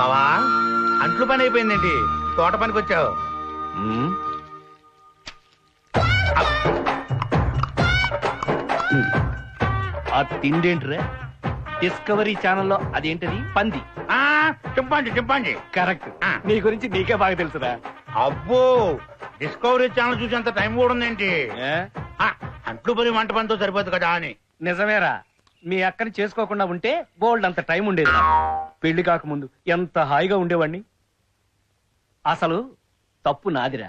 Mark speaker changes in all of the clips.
Speaker 1: బావా అంట్లు పని అయిపోయిందేంటి? తోట పనికి వచ్చావు?
Speaker 2: ఆ తిండేంట్రా? డిస్కవరీ ఛానల్లో అదేంటది? పంది.
Speaker 1: Chimpanzee chimpanzee.
Speaker 2: కరెక్ట్. నీ గురించి నీకే బాగా తెలుసురా.
Speaker 1: అబ్బో, డిస్కవరీ ఛానల్ చూసేంత టైం కూడా ఉందేంటి? అంట్లు పని వంట పనితో సరిపోదు కదా అని.
Speaker 2: నిజమేరా, మీ అక్కని చేసుకోకుండా ఉంటే బోల్డ్ అంత టైం ఉండేది. పెళ్లి కాకముందు ఎంత హాయిగా ఉండేవాణ్ణి. అసలు తప్పు నాదిరా.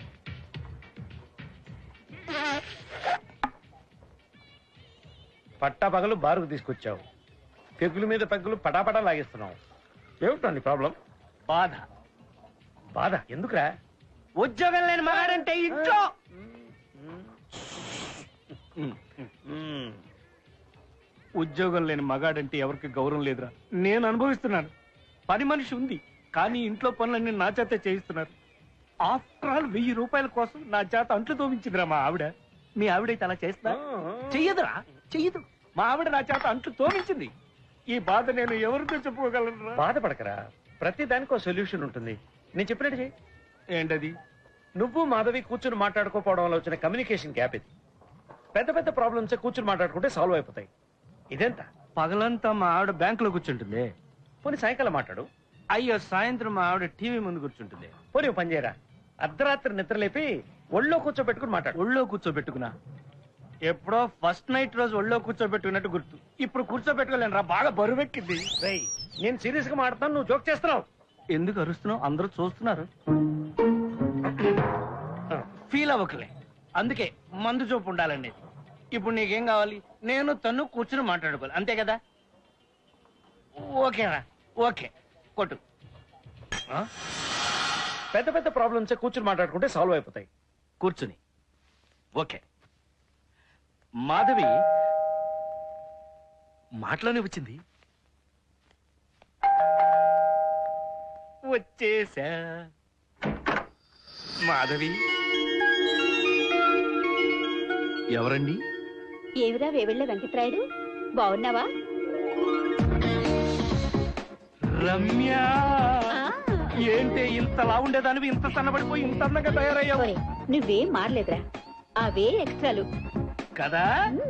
Speaker 2: పట్టా పగలు బారుకు తీసుకొచ్చావు, పెగుల మీద పెగ్గులు పటాపటా లాగేస్తున్నావు. ఏమిటండి ప్రాబ్లం? బాధ. బాధ ఎందుకురా? ఉద్యోగం లేని మగాడంటే ఇంట్లో ఉద్యోగం లేని మగాడంటే ఎవరికి గౌరవం లేదురా. నేను అనుభవిస్తున్నాను. పని మనిషి ఉంది, కానీ ఇంట్లో పనులన్నీ నా చేత చేయిస్తున్నారు. ఆఫ్టర్ ఆల్ 1000 రూపాయల కోసం నా చేత అంట్లు తోమించిందిరా మా ఆవిడ. మీ ఆవిడైతే అలా చేస్తా? చెయ్యదురా, చెయ్యదు. మా ఆవిడ నా చేత అంట్లు తోమించింది. ఈ బాధ నేను ఎవరితో చెప్పుకోగలను? బాధపడకరా, ప్రతి దానికి ఒక సొల్యూషన్ ఉంటుంది. నేను చెప్పినట్టు చెయ్యి. ఏంటది? నువ్వు మాధవి కూర్చుని మాట్లాడుకోపోవడం వల్ల వచ్చిన కమ్యూనికేషన్ గ్యాప్ ఇది. పెద్ద పెద్ద ప్రాబ్లమ్స్ కూర్చుని మాట్లాడుకుంటే సాల్వ్ అయిపోతాయి. ఇదెంత? పగలంతా మా ఆవిడ బ్యాంకులో కూర్చుంటుంది. పోనీ సాయంకాలం మాట్లాడు. అయ్యో, సాయంత్రం మా ఆవిడ టీవీ ముందు కూర్చుంటుంది. పోనీ పని చేయరా, అర్ధరాత్రి నిద్రలేపి ఒళ్ళో కూర్చోబెట్టుకుని మాట్లాడు. ఒళ్ళో కూర్చోబెట్టుకున్నా? ఎప్పుడో ఫస్ట్ నైట్ రోజు ఒళ్ళో కూర్చోబెట్టుకున్నట్టు గుర్తు. ఇప్పుడు కూర్చోబెట్టుకోలేను రా, బాగా బరువెక్కింది. నేను సీరియస్ గా మాట్లాడుతాను, నువ్వు జోక్ చేస్తున్నావు. ఎందుకు అరుస్తున్నావు? అందరూ చూస్తున్నారు. ఫీల్ అవ్వకలే, అందుకే మందు చూపు ఉండాలండి. ఇప్పుడు నీకేం కావాలి? నేను తను కూర్చుని మాట్లాడుకోవాలి, అంతే కదా? ఓకేరా, ఓకే, కొట్టు. పెద్ద పెద్ద ప్రాబ్లమ్స్ కూర్చుని మాట్లాడుకుంటే సాల్వ్ అయిపోతాయి. కూర్చుని. ఓకే. మాధవి మాటలోనే వచ్చింది. వచ్చేసా. మాధవి ఎవరండి?
Speaker 3: ఏమిరా వేవిళ్ళ వెంకట్రాయుడు, బాగున్నావా?
Speaker 2: రమ్య. ఏంటి ఇంతలా ఉండేదానివి ఇంత సన్నబడిపోయి ఇంత అందంగా తయారయ్యావు?
Speaker 3: నువ్వేం మారలేదురా, అవే ఎక్స్ట్రాలు
Speaker 2: కదా.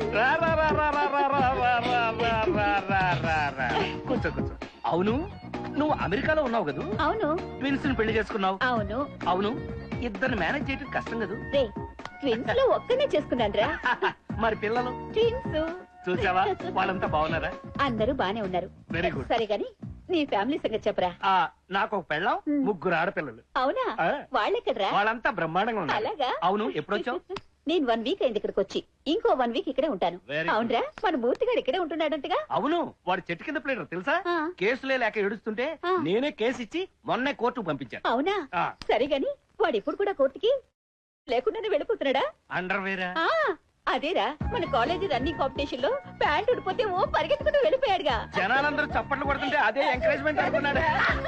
Speaker 2: కూర్చో కూర్చో. అవును, నువ్వు అమెరికాలో ఉన్నావు కదా?
Speaker 3: అవును.
Speaker 2: ట్విన్స్ పెళ్లి చేసుకున్నావు?
Speaker 3: అవును.
Speaker 2: అవును, ఇద్దరు మేనేజ్ చేయడం కష్టం కదా?
Speaker 3: ట్విన్స్ లో ఒక్కనే చేసుకున్నాను రా.
Speaker 2: మరి పిల్లలు?
Speaker 3: ట్విన్స్.
Speaker 2: చూసావా, వాళ్ళంతా బాగున్నారా?
Speaker 3: అందరూ బానే ఉన్నారు.
Speaker 2: Very good.
Speaker 3: సరే గాని నీ ఫ్యామిలీ సంగతి చెప్పరా.
Speaker 2: నాకు ఒక పెళ్ళం, 3 ఆడపిల్లలు.
Speaker 3: అవునా? వాళ్ళెక్కడరా?
Speaker 2: వాళ్ళంతా బ్రహ్మాండంగా ఉన్నారు.
Speaker 3: అలాగా?
Speaker 2: అవును. ఎప్పుడొచ్చావు?
Speaker 3: నేను 1 వీక్ అయింది ఇక్కడికి వచ్చి. ఇంకో 1 వీక్ ఇక్కడే ఉంటాను. అవునరా, మన మూర్తిగాడు ఇక్కడే ఉంటున్నాడంటగా?
Speaker 2: అవును, వాడు చెట్టు కింద ప్లేడర్ తెలుసా? కేసులే లేక ఏడుస్తుంటే నేనే కేసు ఇచ్చి మొన్నే కోర్టుకు పంపించాను.
Speaker 3: అవునా? సరే గాని వాడు ఇప్పుడు కూడా కోర్టుకి లేకుండానే వెళ్ళిపోతున్నాడా?
Speaker 2: అండర్వేరా?
Speaker 3: అదేరా, మన కాలేజీ రన్నింగ్ కాంపిటీషన్ లో ప్యాంట్ ఉడిపోతే ఓ పరిగెత్తుకుంటూ వెళ్ళిపోయాడుగా.
Speaker 2: జనాలందరూ చప్పట్లు కొడుతుంటే అదే ఎంకరేజ్మెంట్ అనుకున్నాడు.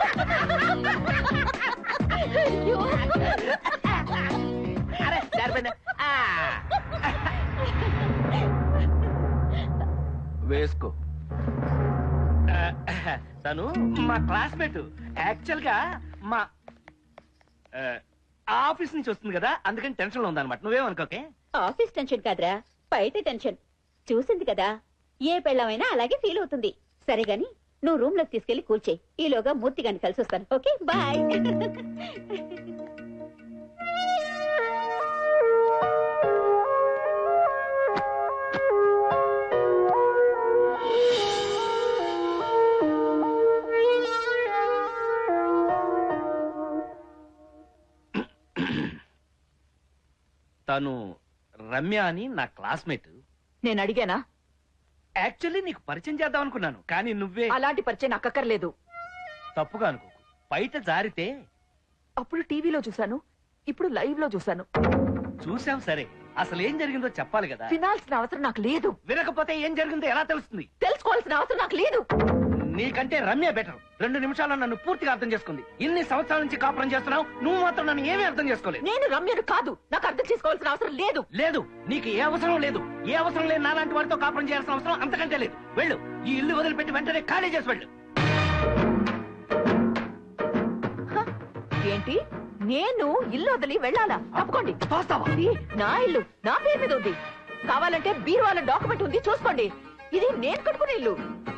Speaker 2: వేసుకో. తను మా క్లాస్మేట్. యాక్చువల్ గా మా ఆఫీస్ నుంచి వస్తుంది కదా, అందుకని టెన్షన్ లో ఉందన్నమాట. నువ్వేమనుకోకే.
Speaker 3: ఆఫీస్ టెన్షన్ కాదురా, బయట టెన్షన్. చూసింది కదా, ఏ పెళ్ళమైనా అలాగే ఫీల్ అవుతుంది. సరే గాని నువ్వు రూమ్ లోకి తీసుకెళ్లి కూర్చేయి. ఈలోగా మూర్తి గారిని కలిసి వస్తాను. Okay, bye.
Speaker 2: తను రమ్య అని నా క్లాస్మేట్.
Speaker 4: నేను అడిగానా?
Speaker 2: యాక్చువల్లీ నీకు పరిచయం చేద్దాం అనుకున్నాను, కానీ నువ్వే.
Speaker 4: అలాంటి పరిచయం నాకు అక్కర్లేదు.
Speaker 2: తప్పుగా అనుకోకు, బయట జారితే.
Speaker 4: అప్పుడు టీవీలో చూశాను, ఇప్పుడు లైవ్ లో చూశాను.
Speaker 2: చూసాం, సరే అసలు ఏం జరిగిందో చెప్పాలి కదా.
Speaker 4: వినాల్సిన అవసరం నాకు లేదు.
Speaker 2: వినకపోతే ఏం జరిగిందో ఎలా తెలుస్తుంది?
Speaker 4: తెలుసుకోవాల్సిన అవసరం నాకు లేదు.
Speaker 2: నీకంటే రమ్య బెటర్. 2 నిమిషాల్లో నన్ను పూర్తిగా అర్థం చేసుకుంది. ఇన్ని సంవత్సరాల నుంచి కాపురం చేస్తున్నావు, నువ్వు మాత్రం నన్ను ఏమీ అర్థం చేసుకోలేదు.
Speaker 4: నేను రమ్యను కాదు, నాకు అర్థం చేసుకోవాల్సిన అవసరం లేదు.
Speaker 2: లేదు, నీకు ఏ అవసరం లేదు. ఏ అవసరం లేదు. నాలాంటి వాడితో కాపురం చేయాల్సిన అవసరం అంతకంటే లేదు. వెళ్ళు, ఈ ఇల్లు వదిలిపెట్టి వెంటనే ఖాళీ చేసి వెళ్ళు.
Speaker 4: నేను ఇల్లు వదిలి వెళ్ళాలా? తప్పుకోండి. ఇది నా ఇల్లు, నా పేరు మీద ఉంది. కావాలంటే బీరువాల డాక్యుమెంట్ ఉంది, చూసుకోండి. ఇది నేను కట్టుకునే ఇల్లు.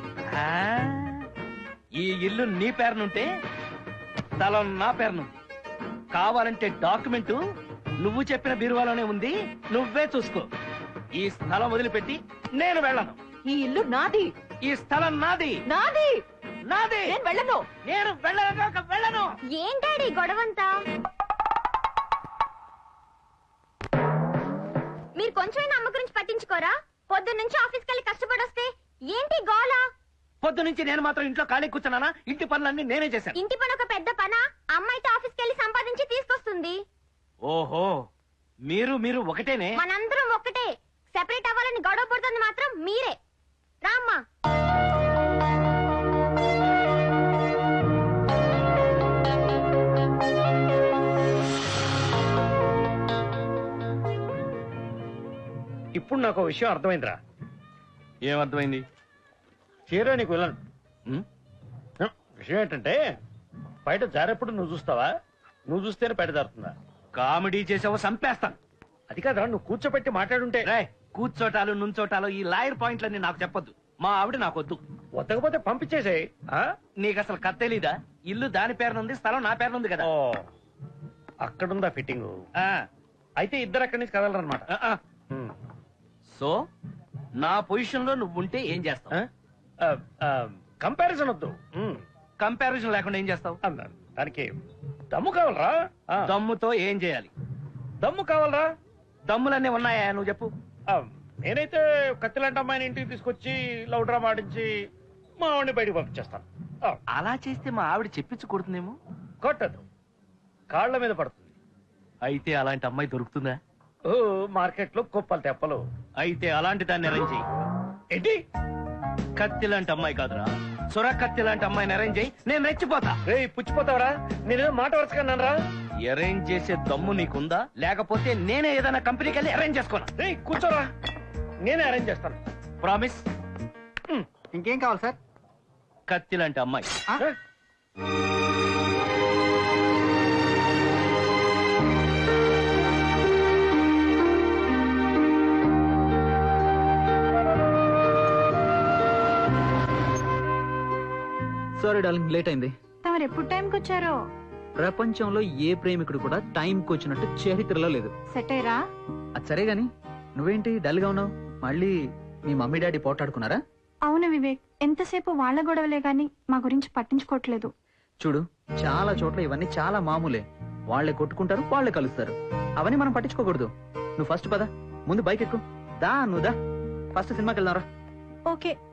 Speaker 2: ఈ ఇల్లు నీ పేరునుంటే స్థలం నా పేరును. కావాలంటే డాక్యుమెంటు నువ్వు చెప్పిన బీరువాలోనే ఉంది, నువ్వే చూసుకో. ఈ స్థలం వదిలిపెట్టి నేను వెళ్ళను.
Speaker 4: ఈ ఇల్లు నాది,
Speaker 2: ఈ స్థలం నాది,
Speaker 4: నాది,
Speaker 2: నాది.
Speaker 4: నేను వెళ్ళను.
Speaker 2: నేను వెళ్ళను.
Speaker 3: ఏంటాడి గొడవంతా? మీరు కొంచెం అమ్మ గురించి పట్టించుకోరా? పొద్దున్న నుంచి ఆఫీస్కి వెళ్ళి కష్టపడొస్తే ఏంటి గోల?
Speaker 2: పొద్దు నుంచి నేను మాత్రం ఇంట్లో ఖాళీ కూర్చున్నానా? ఇంటి పనులన్నీ నేనే చేశాను.
Speaker 3: ఇంటి పని ఒక పెద్ద పనా? అమ్మాయితో ఆఫీస్కి వెళ్ళి సంపాదించి తీసుకొస్తుంది.
Speaker 2: ఓహో, మీరు ఒకటేనే.
Speaker 3: మనందరం ఒక్కటే. సెపరేట్ అవ్వాలని గొడవ పడుతుంది మాత్రం మీరే. రామ్మా.
Speaker 1: ఇప్పుడు నాకు విషయం అర్థమైందిరా.
Speaker 2: ఏమర్థమైంది?
Speaker 1: చీర నీకు వెళ్ళను. విషయం ఏంటంటే బయట జారేప్పుడు నువ్వు చూస్తావా? నువ్వు చూస్తేనే బయట జారుతుందా?
Speaker 2: కామెడీ చేసావో చంపేస్తాను.
Speaker 1: అది కాదురా, నువ్వు కూర్చోబెట్టి మాట్లాడుంటే.
Speaker 2: రేయ్, కూర్చోటాలు నుంచోటాలు ఈ లాయర్ పాయింట్లన్నీ నాకు చెప్పొద్దు. మా ఆవిడ నాకొద్దు.
Speaker 1: వద్దకపోతే పంపించేసేయ్.
Speaker 2: నీకు అసలు కథ తెలీదా? ఇల్లు దాని పేరునుంది, స్థలం నా పేరునుంది కదా.
Speaker 1: ఓ, అక్కడుందా ఫిట్టింగ్?
Speaker 2: ఆ,
Speaker 1: అయితే ఇద్దరు అక్కడి నుంచి కదలరనమాట.
Speaker 2: ఆ, ఆ. సో నా పొజిషన్ లో నువ్వుంటే ఏం చేస్తావు?
Speaker 1: కంపారిజన్ వద్దు.
Speaker 2: కంపారిజన్ లేకుండా ఏం చేస్తావు?
Speaker 1: అన్నాను. దానికి దమ్ము కావాలరా.
Speaker 2: దమ్ముతో ఏం చేయాలి?
Speaker 1: దమ్ము కావాలరా.
Speaker 2: దమ్ములన్నీ ఉన్నాయా? నువ్వు చెప్పు.
Speaker 1: నేనైతే కత్తిలాంటి అమ్మాయిని ఇంటికి తీసుకొచ్చి లవ్ డ్రామా ఆడించి మా ఆవిడని బయటకు పంపించేస్తాను.
Speaker 2: అలా చేస్తే మా ఆవిడ చెప్పించకూడుతుందేమో.
Speaker 1: కొట్టదు, కాళ్ళ మీద పడుతుంది.
Speaker 2: అయితే అలాంటి అమ్మాయి దొరుకుతుందా?
Speaker 1: ఓ, మార్కెట్ లో కుప్పలు తెప్పలు.
Speaker 2: అయితే అలాంటి దాన్ని అరేంజ్ చేయి.
Speaker 1: ఏంటి?
Speaker 2: కత్తి లాంటి అమ్మాయి కాదురా, సొర కత్తి లాంటి అమ్మాయిని అరేంజ్ చేయి. నేను రెచ్చిపోతా.
Speaker 1: రే, పుచ్చిపోతావరా? నేనేదో మాట వరుసకన్నాను రా.
Speaker 2: అరేంజ్ చేసే దమ్ము నీకుందా? లేకపోతే నేనే ఏదైనా కంపెనీకి వెళ్ళి అరేంజ్ చేసుకోనా?
Speaker 1: రే, కూర్చోరా, నేనే అరేంజ్ చేస్తాను.
Speaker 2: ప్రామిస్?
Speaker 5: ఇంకేం కావాలి సార్?
Speaker 2: కత్తి లాంటి అమ్మాయి.
Speaker 5: సారీ డార్లింగ్, లేట్ అయింది.
Speaker 3: తమరు ఎప్పుడు టైంకి వచ్చారో?
Speaker 5: ప్రపంచంలో ఏ ప్రేమికుడు కూడా టైంకి వచ్చినట్టు చరిత్రలో లేదు.
Speaker 3: సెట్ అయ్యరా?
Speaker 5: అది సరే గాని నువ్వేంటి డల్ గా ఉన్నావు? మళ్ళీ మీ మమ్మీ డాడీ పోటాడుకున్నారా?
Speaker 6: అవును వివేక్, ఎంతసేపు వాళ్ళ గొడవలే గాని మా గురించి పట్టించుకోవట్లేదు.
Speaker 5: చూడు, చాలా చోట్ల ఇవన్నీ చాలా మామూలే. వాళ్ళే కొట్టుకుంటారు, వాళ్ళే కలుస్తారు. అవన్నీ మనం పట్టించుకోకూడదు. నువ్వు ఫస్ట్ పద, ముందు బైక్ ఎక్కు. దా, నువ్వు దా, ఫస్ట్ సినిమాకి వెళ్దాంరా.
Speaker 6: ఓకే.